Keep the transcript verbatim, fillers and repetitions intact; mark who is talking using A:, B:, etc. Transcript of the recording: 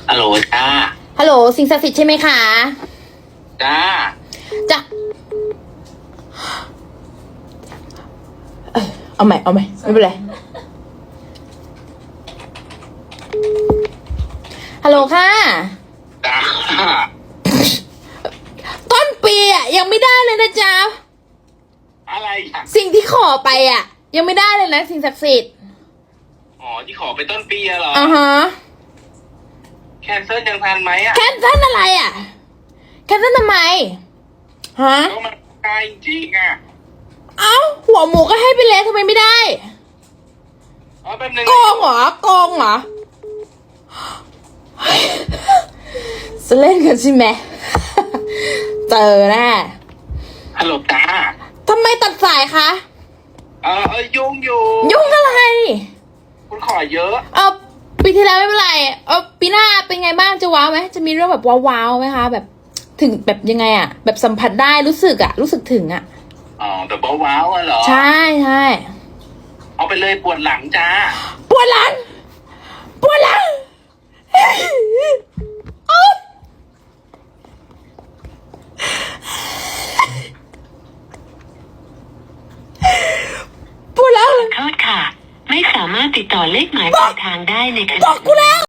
A: ฮัลโหลจ้า
B: ฮัลโหลสิ่งศักดิ์สิทธิ์ใช่ไหมคะ
A: จ้า
B: จ้าเอาใหม่เอาใหม่ไม่เป็นไรฮัลโหลค่ะ
A: จ้า
B: ต้นปีอ่ะยังไม่ได้เลยนะจ๊ะ
A: อะไรอ่ะ
B: สิ่งที่ขอไปอ่ะยังไม่ได้เลยนะสิ่งศักดิ์สิทธิ์
A: อ๋อที่ขอไปต้นปีอะเหรอ
B: อ่าฮะ
A: แคนเซิลยังทันไหมอะ
B: แคนเซิลอะไรอ่ะแคนเซิลทำไมฮะ
A: ก็มันไกลจริงอ่ะ
B: เอ้าหัวหมูก็ให้ไปแล้วทำไมไม่ได้
A: อ๋อแป๊บนึง
B: โกงเหรอโกงเหรอจะเล่นกันใช่ไหมเจอแน่
A: ฮัลโหลจ้า
B: ทำไมตัดสายคะ
A: เออเออยุ่งอยู่
B: ยุ่งอะไร
A: คุณขอเยอะ
B: เออปีที่แล้วไม่เป็นไรเออปีหน้าเป็นไงบ้างจะว้าวไหมจะมีเรื่องแบบว้าวๆไหมคะแบบถึงแบบยังไงอะแบบสัมผัสได้รู้สึกอะรู้สึกถึงอะ
A: อ๋อแบบว้าวๆอะเหรอ
B: ใช่ใช่
A: เอาไปเลยปวดหลังจ้า
B: ปวดหลังปวดหลังปวดหลัง
C: ขอโทษค่ะไม่สามารถติดต่อเลขหมายปลายทางได้ในขณะ
B: บอกกูแล้ว